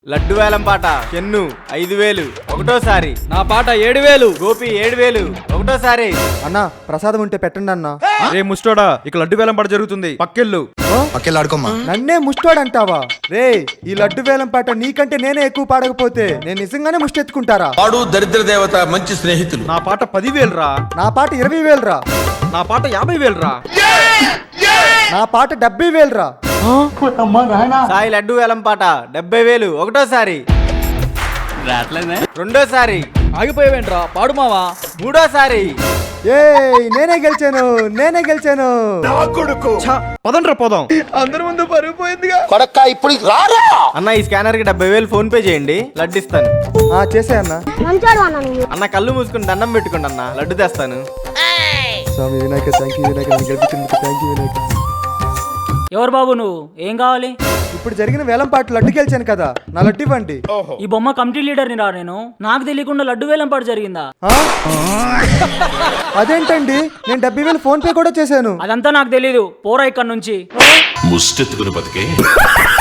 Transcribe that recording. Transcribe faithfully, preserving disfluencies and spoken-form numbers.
లడ్డు వేలం పాట చెన్ను ఐదు వేలు ఒకటోసారి. నా పాట ఏడు వేలు. గోపి ఏడు వేలు ఒకటోసారి. అన్న ప్రసాదం ఉంటే పెట్టండి అన్న. రే ముస్టోడా, ఇక లడ్డు వేలం పాట జరుగుతుంది, పక్కెళ్ళు. పక్కెళ్ళాడుకోమ్మా. నన్నే ముష్టోడంటావా? రే ఈ లడ్డు వేలం పాట నీకంటే నేనే ఎక్కువ పాడకపోతే నేను నిజంగానే ముష్టెత్తుకుంటారా? వాడు దరిద్ర దేవత మంచి స్నేహితులు. నా పాట పదివేలు రా. నా పాట ఇరవై వేలు రా. నా పాట యాభై వేలు రా. నా పాట డెబ్బై వేలు రా. సాయి లడ్డు వేలం పాట డెబ్బై వేలు ఒకటోసారి. రెండోసారి. ఆగిపోయావేంట్రా, పాడు మావా. మూడోసారి. ఏ నేనే గెలిచాను నేనే గెలిచాను. పదండ్రా పోదాం. అందరి ముందు పరుగు పోయిందిగా. కొడక్క ఇప్పుడు రారా. అన్న ఈ స్కానర్ కి డెబ్బై వేలు ఫోన్ పే చేయండి, లడ్డు ఇస్తాను. ఆ చేసే అన్న. అన్న కళ్ళు మూసుకుని దండం పెట్టుకోండి అన్న, లడ్డు తెస్తాను. స్వామి వినాయక థ్యాంక్ యూ వినాయక, నన్ను గెలిపించినందుకు థ్యాంక్ యూ వినాయక. ఎవరు బాబు నువ్వు, ఏం కావాలి? ఇప్పుడు జరిగిన వేలం పాట లడ్డు గెలిచాను కదా, నా లడ్డు ఇవ్వండి. ఈ బొమ్మ కమిటీ లీడర్ని రా నేను. నాకు తెలియకుండా లడ్డు వేలం పాటు జరిగిందా? ఆ? అదేంటండి, నేను డెబ్బై వేలు ఫోన్ పే కూడా చేశాను. అదంతా నాకు తెలీదు, పోరా ఇక్కడ నుంచి. ముష్టెత్తుకుని బతికే